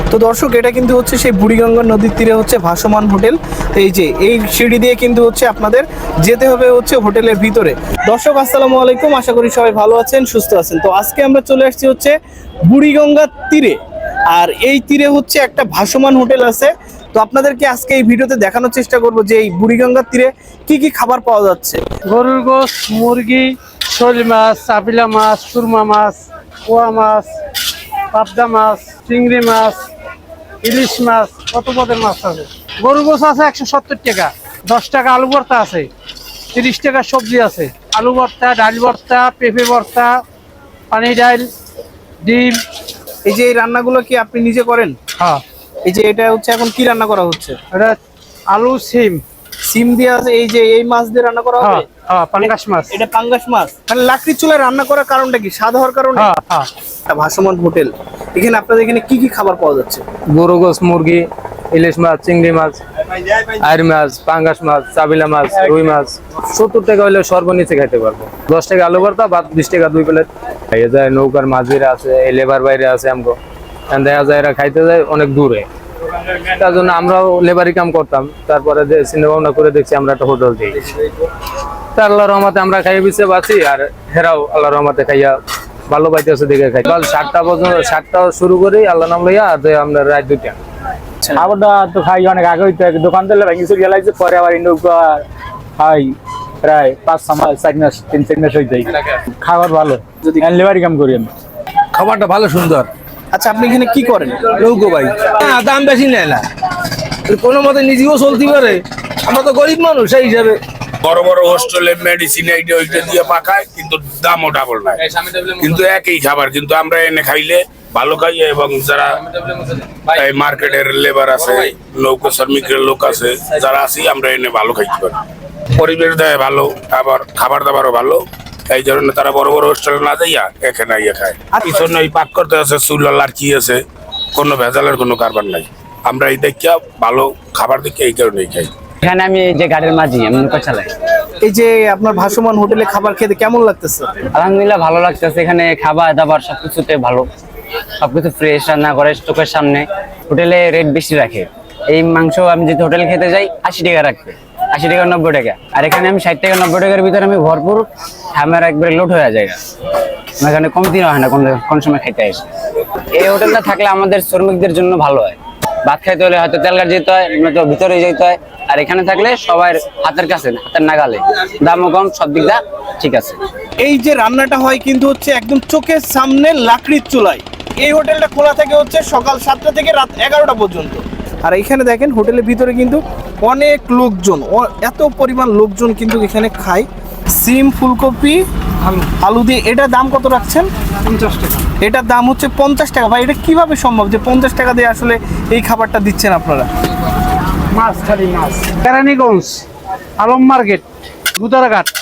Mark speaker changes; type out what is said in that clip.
Speaker 1: তো দর্শক, এটা কিন্তু হচ্ছে সেই বুড়িগঙ্গা নদীর তীরে হচ্ছে ভাসমান হোটেল। এই যে এই সিঁড়ি দিয়ে কিন্তু হচ্ছে আপনাদের যেতে হবে হচ্ছে হোটেলের ভিতরে। দর্শক আসসালামু আলাইকুম, আশা করি সবাই ভালো আছেন, সুস্থ আছেন। তো আজকে আমরা চলে আসছি হচ্ছে বুড়িগঙ্গার তীরে, আর এই তীরে হচ্ছে একটা ভাসমান হোটেল আছে। তো আপনাদেরকে আজকে এই ভিডিওতে দেখানোর চেষ্টা করব যে এই বুড়িগঙ্গার তীরে কি কি খাবার পাওয়া যাচ্ছে।
Speaker 2: গরুর গোশ, মুরগি, শোল মাছ, চাপিলা মাছ, সুরমা মাছ, পোয়া মাছ, পাবদা মাছ, চিংড়ি মাছ, ইলিশ মাছ, কত পদের মাছ আছে। গরুর গোশ আছে 170 টাকা, 10 টাকা আলু ভর্তা আছে, 30 টাকা সবজি আছে, আলু ভর্তা, ডাল ভর্তা, পেঁপে ভর্তা, পানি ডাল, ডিম।
Speaker 1: এই যে এই রান্নাগুলো কি আপনি নিজে করেন?
Speaker 2: হ্যাঁ,
Speaker 1: এই যে এটা হচ্ছে এখন কি রান্না করা হচ্ছে?
Speaker 2: এটা আলু সিম।
Speaker 1: সিম দিয়ে আছে, এই যে এই মাছ দিয়ে রান্না করা হবে।
Speaker 2: হ্যাঁ, পাঙ্গাস মাছ।
Speaker 1: এটা পাঙ্গাস মাছ। মানে লাকড়ির চুলায় রান্না করার কারণটা কি? স্বাদ হওয়ার কারণে?
Speaker 2: হ্যাঁ হ্যাঁ।
Speaker 1: ভাসমান হোটেল, এখানে আপনাদের এখানে কি কি খাবার পাওয়া যাচ্ছে?
Speaker 3: গরু গোশ, মুরগি, ইলিশ মাছ, চিংড়ি মাছ, আইর মাছ, পাঙ্গাস মাছ, চাবিলা মাছ, রুই মাছ। 70 টাকা হলে সর্বনিচে খাইতে পারবো। 10 টাকা আলু ভর্তা, 20 টাকা 2 প্লেট। খাইয়ে যায় নৌকার মাঝিরা আছে, এই লেবার বাইরে আছে। আমগো দেখা যায় এরা খাইতে যায় অনেক দূরে, তার জন্য আমরাও লেবারি কাম করতাম। তারপরে যে চিন্তা ভাবনা করে দেখছি আমরা একটা হোটেল দিই। তা আল্লাহর রহমতে আমরা খাইয়ে বিছে বাঁচি, আর হেরাও আল্লাহর রহমতে খাইয়া ভালো পাইতেছে দেখে খাই। কাল 7টা পর্যন্ত, 7টা শুরু করি আল্লাহ নাম লইয়া, আর আমরা রাত 2টা।
Speaker 4: খাবারটা তো খাই অনেক আগে হইতে, দোকান থেকে ভেঙে চুরি লাগছে, পরে আবার নৌকা খাই প্রায় 5-6 মাস, 4 মাস, 3-4 মাস হয়ে যায়। খাবার ভালো, যদি লেবারি কাম করি আমি।
Speaker 5: খাবারটা ভালো, সুন্দর।
Speaker 1: আচ্ছা, আপনি এখানে কি করেন?
Speaker 5: নৌকো ভাই, দাম বেশি নেয় না, কোনো মতে নিজেও চলতে পারে। আমরা তো গরিব মানুষ, সেই হিসাবে।
Speaker 6: বড় বড় হোস্টেলে মেডিসিন এইটা ওইটা দিয়ে পাকায়, কিন্তু দামও ডাবল নাই, কিন্তু একই খাবার। কিন্তু আমরা এনে খাইলে ভালো খাই, এবং যারা এই মার্কেটের লেবার আছে, নৌকা শ্রমিকের লোক আছে, যারা আছি, আমরা এনে ভালো খাইতে পারি। পরিবেশ দেয় ভালো, আবার খাবার দাবারও ভালো। এই জন্য তারা বড় বড় হোস্টেলে না যাইয়া এখানে আইয়া খায়। আর পিছনে ওই পাক করতে আছে, চুলা লাড়কি আছে, কোনো ভেজালের কোনো কারবার নাই। আমরা এই দেখিয়া ভালো খাবার দেখে এই কারণেই খাই।
Speaker 7: এখানে আমি যে গাড়ির মাঝি, আমি নৌকা চালাই।
Speaker 1: এই যে আপনার ভাসমান হোটেলে খাবার খেতে কেমন লাগতেছে?
Speaker 7: আলহামদুলিল্লাহ ভালো লাগতেছে। এখানে খাবার দাবার সবকিছুতে ভালো, সবকিছু ফ্রেশ রান্না করে চোখের সামনে। হোটেলে রেট বেশি রাখে। এই মাংস আমি যদি হোটেলে খেতে যাই 80 টাকা রাখবে, 80 টাকা 90 টাকা। আর এখানে আমি 60 টাকা 90 টাকার ভিতরে আমি ভরপুর খামের একবারে লোড হয়ে যায়। এখানে কমতি হয় না কোন সময় খাইতে আসে। এই হোটেলটা থাকলে আমাদের শ্রমিকদের জন্য ভালো হয়। ভাত খাইতে হলে হয়তো তেলঘাট যেতে হয়, নয়তো ভিতরে যেতে হয়। আর এখানে থাকলে সবার হাতের কাছে, হাতের নাগালে, দামও কম, সব দিক দা ঠিক আছে।
Speaker 1: এই যে রান্নাটা হয় কিন্তু হচ্ছে একদম চোখের সামনে লাকড়ির চুলায়। এই হোটেলটা খোলা থাকে হচ্ছে সকাল 7টা থেকে রাত 11টা পর্যন্ত। আর এখানে দেখেন হোটেলের ভিতরে কিন্তু অনেক লোকজন, এত পরিমাণ লোকজন কিন্তু এখানে খায়। সিম, ফুলকপি, আলু দিয়ে। এটার দাম কত রাখছেন?
Speaker 2: 50 টাকা।
Speaker 1: এটার দাম হচ্ছে 50 টাকা। ভাই, এটা কিভাবে সম্ভব যে 50 টাকা দিয়ে আসলে এই খাবারটা দিচ্ছেন আপনারা?
Speaker 2: মাছ, খালি মাছ। কেরানীগঞ্জ, আলম মার্কেট, গুদারাঘাট।